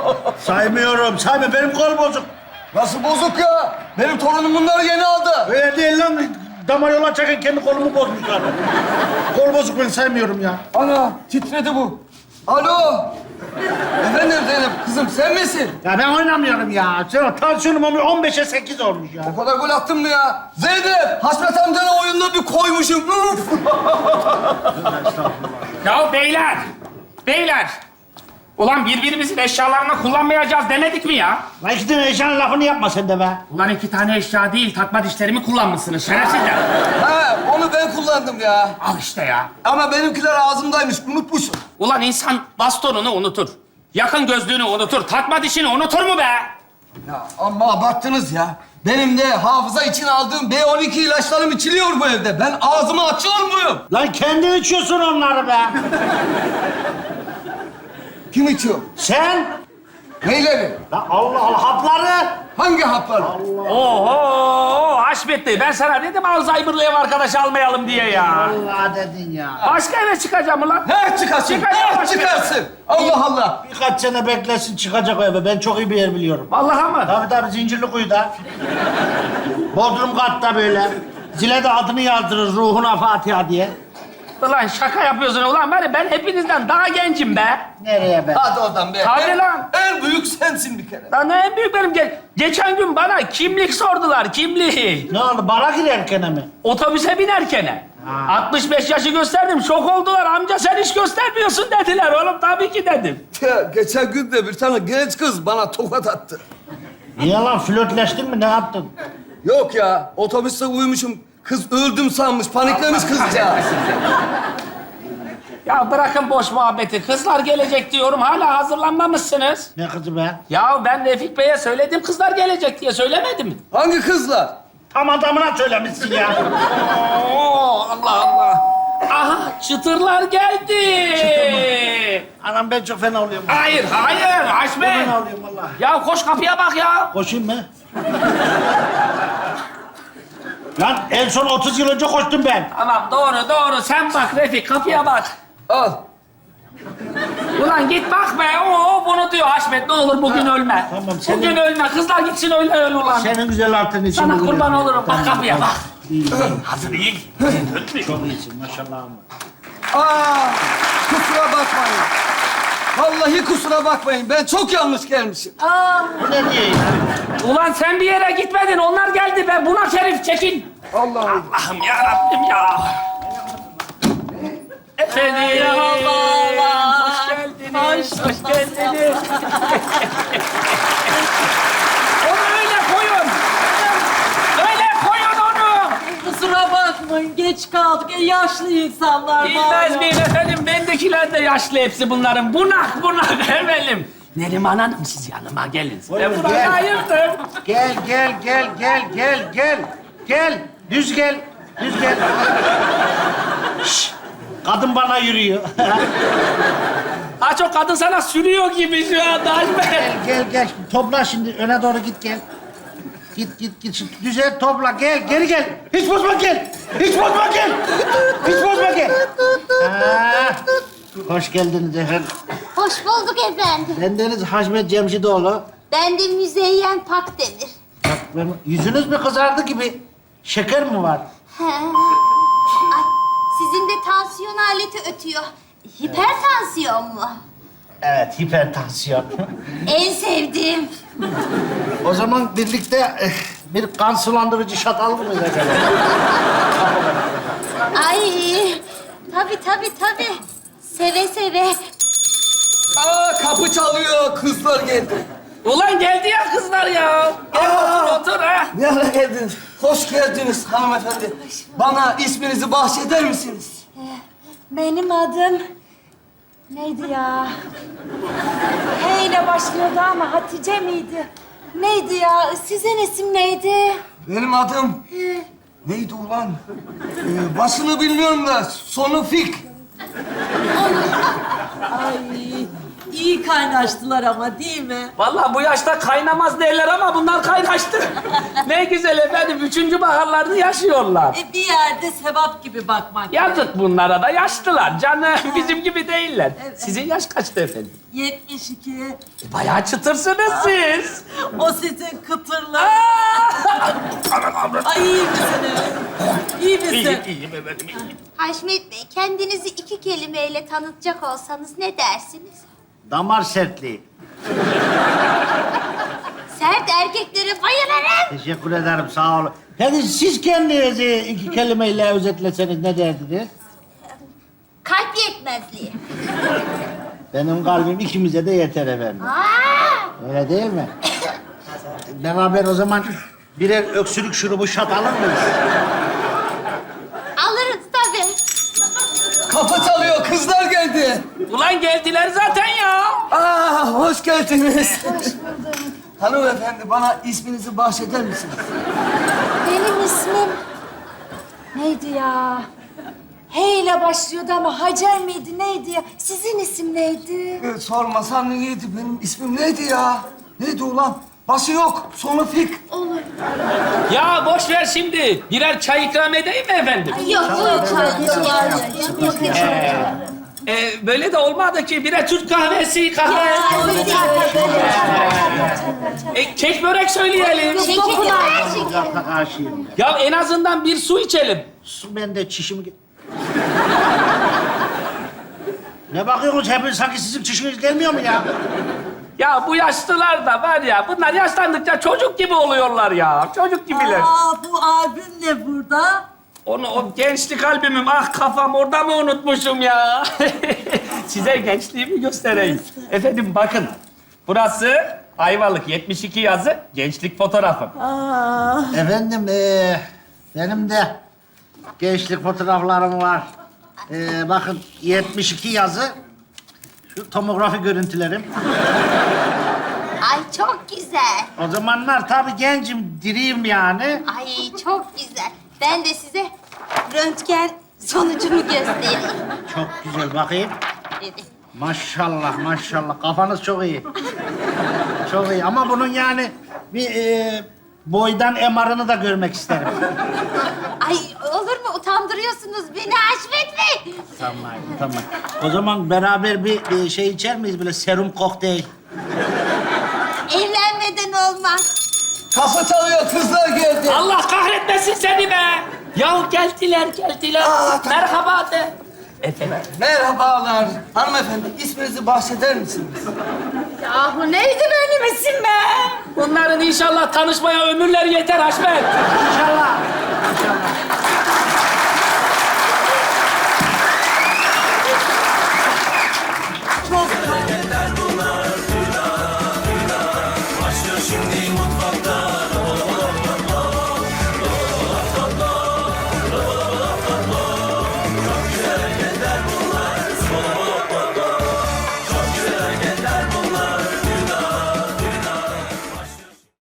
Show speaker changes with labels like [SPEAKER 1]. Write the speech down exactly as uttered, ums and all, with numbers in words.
[SPEAKER 1] Saymıyorum. Sayma. Benim kol bozuk.
[SPEAKER 2] Nasıl bozuk ya? Benim torunum bunları yeni aldı.
[SPEAKER 1] Öyle değil lan. Damar yola çeken kendi kolumu bozmuşlar. Kol bozuk, ben saymıyorum ya.
[SPEAKER 2] Ana titredi bu. Alo. Efendim Zeynep kızım sen misin?
[SPEAKER 1] Ya ben oynamıyorum ya. Sen tansiyonum on beşe sekiz olmuş ya.
[SPEAKER 2] O kadar gol attın mı ya? Zeynep Hasret amcanın oyununa bir koymuşum.
[SPEAKER 3] Ya beyler, beyler. Ulan birbirimizin eşyalarını kullanmayacağız demedik mi ya?
[SPEAKER 1] Lan iki tane eşyanın lafını yapma sen de be.
[SPEAKER 3] Ulan iki tane eşya değil, takma dişlerimi kullanmışsınız şerefsizler.
[SPEAKER 2] Ha onu ben kullandım ya.
[SPEAKER 3] Al işte ya.
[SPEAKER 2] Ama benimkiler ağzımdaymış unutmuşum.
[SPEAKER 3] Ulan insan bastonunu unutur. Yakın gözlüğünü unutur, takma dişini unutur mu be?
[SPEAKER 2] Ya amma abarttınız ya. Benim de hafıza için aldığım B on iki ilaçlarım içiliyor bu evde. Ben ağzımı açıyor muyum?
[SPEAKER 1] Lan kendin içiyorsun onları be.
[SPEAKER 2] Kim içiyor?
[SPEAKER 1] Sen?
[SPEAKER 2] Neyleri?
[SPEAKER 1] Lan Allah Allah, hapları.
[SPEAKER 2] Hangi hapları?
[SPEAKER 3] Oho, Haşmetli. Ben sana dedim Alzheimer'lı ev arkadaşı almayalım diye ya.
[SPEAKER 1] Allah dedin ya.
[SPEAKER 3] Başka eve çıkacağım ulan.
[SPEAKER 2] Her çıkarsın,
[SPEAKER 3] Çıkacağım
[SPEAKER 2] her
[SPEAKER 3] başka.
[SPEAKER 2] çıkarsın. Allah Allah.
[SPEAKER 1] Birkaç sene beklesin, çıkacak o eve. Ben çok iyi bir yer biliyorum.
[SPEAKER 3] Vallahi mı?
[SPEAKER 1] Tabii tabii, Zincirlikuyu'da. Bodrum katta böyle. Zile de adını yazdırır, ruhuna Fatiha diye.
[SPEAKER 3] Ulan şaka yapıyorsun ulan. Ben, ben hepinizden daha gencim be.
[SPEAKER 1] Nereye be?
[SPEAKER 2] Hadi oradan be.
[SPEAKER 3] Tabii
[SPEAKER 2] En-
[SPEAKER 3] lan.
[SPEAKER 2] En büyük sensin bir kere.
[SPEAKER 3] Lan en büyük benim. Ge- geçen gün bana kimlik sordular, kimlik.
[SPEAKER 1] Ne oldu, bara girerken mi?
[SPEAKER 3] Otobüse binerken.
[SPEAKER 1] Ha.
[SPEAKER 3] altmış beş yaşı gösterdim. Şok oldular. Amca sen hiç göstermiyorsun dediler. Oğlum tabii ki dedim.
[SPEAKER 2] Ya, geçen gün de bir tane genç kız bana tokat attı.
[SPEAKER 1] Niye lan, flörtleştin mi, ne yaptın?
[SPEAKER 2] Yok ya, otobüste uyumuşum. Kız öldüm sanmış, paniklemiş kızcağız.
[SPEAKER 3] Ya bırakın boş muhabbeti. Kızlar gelecek diyorum. Hala hazırlanmamışsınız.
[SPEAKER 1] Ne kızı be?
[SPEAKER 3] Ya ben Refik Bey'e söyledim kızlar gelecek diye. Söylemedim mi?
[SPEAKER 2] Hangi kızlar?
[SPEAKER 1] Tam adamına söylemişsin ya.
[SPEAKER 3] Oo, Allah Allah. Aha çıtırlar geldi.
[SPEAKER 1] Anam ben çok fena oluyorum.
[SPEAKER 3] Hayır, hayır
[SPEAKER 1] Çok
[SPEAKER 3] Haşmet.
[SPEAKER 1] fena oluyorum vallahi.
[SPEAKER 3] Ya koş kapıya bak ya.
[SPEAKER 1] Koşayım mı? Lan en son otuz yıl önce koştum ben.
[SPEAKER 3] Tamam doğru doğru. Sen bak Refik kapıya bak.
[SPEAKER 2] Al.
[SPEAKER 3] Ulan git bak be. Oo bunu diyor Haşmet. Ne olur bugün ölme.
[SPEAKER 1] tamam, senin-
[SPEAKER 3] Bugün ölme. Kızlar gitsin öyle öl ulan.
[SPEAKER 1] Senin güzel altın için.
[SPEAKER 3] Sana
[SPEAKER 1] bugün-
[SPEAKER 3] kurban olurum. Bak
[SPEAKER 1] Tamam,
[SPEAKER 3] kapıya
[SPEAKER 1] tamam.
[SPEAKER 3] bak.
[SPEAKER 1] İyi, iyi.
[SPEAKER 3] Hazır iyi.
[SPEAKER 1] Çok iyisin maşallah ama.
[SPEAKER 2] Aa, kusura bakmayın. Vallahi kusura bakmayın. Ben çok yanlış gelmişim.
[SPEAKER 1] Bu ne diye ya?
[SPEAKER 3] Ulan sen bir yere gitmedin. Onlar geldi be. Buna şerif çekin.
[SPEAKER 2] Allah Allah.
[SPEAKER 3] Allah'ım ya Rabbim ya. Efendim.
[SPEAKER 4] Merhabalar.
[SPEAKER 3] Hoş geldiniz. Hoş, geldiniz. Onu öyle koyun. Öyle koyun onu.
[SPEAKER 4] Kusura bakmayın, geç kaldık. E, yaşlı insanlar var.
[SPEAKER 3] Bilmez
[SPEAKER 4] ya.
[SPEAKER 3] miyim efendim? Bendekiler de yaşlı hepsi bunların. Bunak bunak efendim. Neriman Hanım siz yanıma gelin.
[SPEAKER 1] Buyurun,
[SPEAKER 3] Ben burayı
[SPEAKER 1] gel.
[SPEAKER 3] ayırdım.
[SPEAKER 1] Gel gel gel gel gel gel. Gel. Düz gel. Düz gel. Şşş. Kadın bana yürüyor.
[SPEAKER 3] Ha çok kadın sana sürüyor gibi şu anda Haşmet.
[SPEAKER 1] Gel gel gel. Topla şimdi, öne doğru git gel. Git git git. Şimdi düzel topla, gel geri gel. Hiç bozma gel. Hiç bozma gel. Hiç bozma gel. Ha. Hoş geldiniz efendim.
[SPEAKER 5] Hoş bulduk efendim.
[SPEAKER 1] Bendeniz Haşmet Cemşidoğlu.
[SPEAKER 5] Ben de Müzeyyen Pakdemir.
[SPEAKER 1] Bak ben, yüzünüz mü kızardı gibi? Şeker mi var?
[SPEAKER 5] He. Ay, sizin de tansiyon aleti ötüyor. Hipertansiyon mu?
[SPEAKER 1] Evet, hipertansiyon.
[SPEAKER 5] En sevdiğim.
[SPEAKER 1] O zaman birlikte eh, bir kan sulandırıcı şat alır mıyız acaba?
[SPEAKER 5] Ay, tabii tabii tabii. Seve seve.
[SPEAKER 2] Aa, kapı çalıyor. Kızlar geldi.
[SPEAKER 3] Ulan geldi ya kızlar ya. Gel
[SPEAKER 2] Aa!
[SPEAKER 3] otur otur ha.
[SPEAKER 2] Ne ara geldiniz? Hoş geldiniz hanımefendi. Bana isminizi bahşeder misiniz?
[SPEAKER 4] Benim adım... Neydi ya? H ile başlıyordu ama Hatice miydi? Neydi ya? Sizin isim neydi?
[SPEAKER 2] Benim adım... Neydi ulan? Ee, başını bilmiyorum da sonu Fik.
[SPEAKER 4] Ay, iyi kaynaştılar ama değil mi?
[SPEAKER 3] Vallahi bu yaşta kaynamaz derler ama bunlar kaynaştı. Ne güzel efendim, üçüncü baharlarını yaşıyorlar.
[SPEAKER 4] E, bir yerde sevap gibi bakmak.
[SPEAKER 3] Yazık bunlara da, yaşlılar canım. Bizim gibi değiller. Sizin yaş kaçtı efendim?
[SPEAKER 4] yetmiş iki.
[SPEAKER 3] E, bayağı çıtırsınız siz.
[SPEAKER 4] O sizin kıtırlı. Ay iyi misiniz? İyi misin?
[SPEAKER 3] İyiyim, iyiyim efendim, iyiyim.
[SPEAKER 5] Haşmet Bey, kendinizi iki kelimeyle tanıtacak olsanız ne dersiniz?
[SPEAKER 1] Damar sertliği.
[SPEAKER 5] Sert erkeklere bayılırım.
[SPEAKER 1] Teşekkür ederim, sağ olun. Peki siz kendinizi iki kelimeyle özetleseniz ne derdiniz?
[SPEAKER 5] Kalp yetmezliği.
[SPEAKER 1] Benim kalbim ikimize de yeter efendim.
[SPEAKER 5] Aa!
[SPEAKER 1] Öyle değil mi? Beraber o zaman birer öksürük şurubu şat alır mıyız?
[SPEAKER 5] Alırız tabii.
[SPEAKER 2] Kapı çalıyor, kızlar geldi.
[SPEAKER 3] Ulan geldiler zaten ya.
[SPEAKER 2] Aa, hoş geldiniz. Hanımefendi, bana isminizi bahşeder misiniz?
[SPEAKER 6] Benim ismim neydi ya? H ile başlıyordu ama Hacer miydi neydi ya? Sizin isim neydi?
[SPEAKER 2] Ee, sormasan neydi? Benim ismim neydi ya? Neydi ulan? Başı yok, sonu fik.
[SPEAKER 3] Ya boş ver şimdi. Birer çay ikram edeyim mi efendim?
[SPEAKER 5] Yok, yok, yok, yok.
[SPEAKER 3] Ee, böyle de olmadı ki. Birer Türk kahvesi, kahve. E, kek börek söyleyelim.
[SPEAKER 5] Şeker, şeker.
[SPEAKER 1] Uzakta karşıyım ya.
[SPEAKER 3] Ya en azından bir su içelim.
[SPEAKER 1] Su bende çişim... Ne bakıyorsunuz hepiniz? Sanki sizin çişiniz gelmiyor mu ya?
[SPEAKER 3] Ya bu yaşlılar da var ya, bunlar yaşlandıkça çocuk gibi oluyorlar ya. Çocuk gibiler.
[SPEAKER 4] Aa, bu albüm ne burada?
[SPEAKER 3] Onu, o gençlik albümüm, ah kafam orada mı unutmuşum ya? Size gençliğimi göstereyim. Efendim bakın, burası Ayvalık yetmiş iki yazı gençlik fotoğrafım.
[SPEAKER 4] Aa,
[SPEAKER 1] Efendim, eee benim de gençlik fotoğraflarım var. Eee bakın yetmiş iki yazı. Şu tomografi görüntülerim.
[SPEAKER 5] Ay çok güzel.
[SPEAKER 1] O zamanlar tabii gencim, diriyim yani.
[SPEAKER 5] Ay çok güzel. Ben de size röntgen sonucumu göstereyim.
[SPEAKER 1] Çok güzel, bakayım.
[SPEAKER 5] Dedi.
[SPEAKER 1] Maşallah, maşallah. Kafanız çok iyi. Çok iyi ama bunun yani bir eee boydan M R'ını da görmek isterim.
[SPEAKER 5] Ay olur mu? Utandırıyorsunuz beni Haşmet Bey.
[SPEAKER 1] Tamam, tamam. O zaman beraber bir, bir şey içer miyiz? Böyle serum kokteyl.
[SPEAKER 5] Evlenmeden olmaz.
[SPEAKER 2] Kapı çalıyor, kızlar geldi.
[SPEAKER 3] Allah kahretmesin seni be! Ya geldiler, geldiler. Merhaba de. Efendim?
[SPEAKER 2] Merhabalar. Hanımefendi, isminizi bahşeder misiniz?
[SPEAKER 6] Yahu neydi benim isim be?
[SPEAKER 3] Bunların inşallah tanışmaya ömürleri yeter Haşmet.
[SPEAKER 1] İnşallah. İnşallah.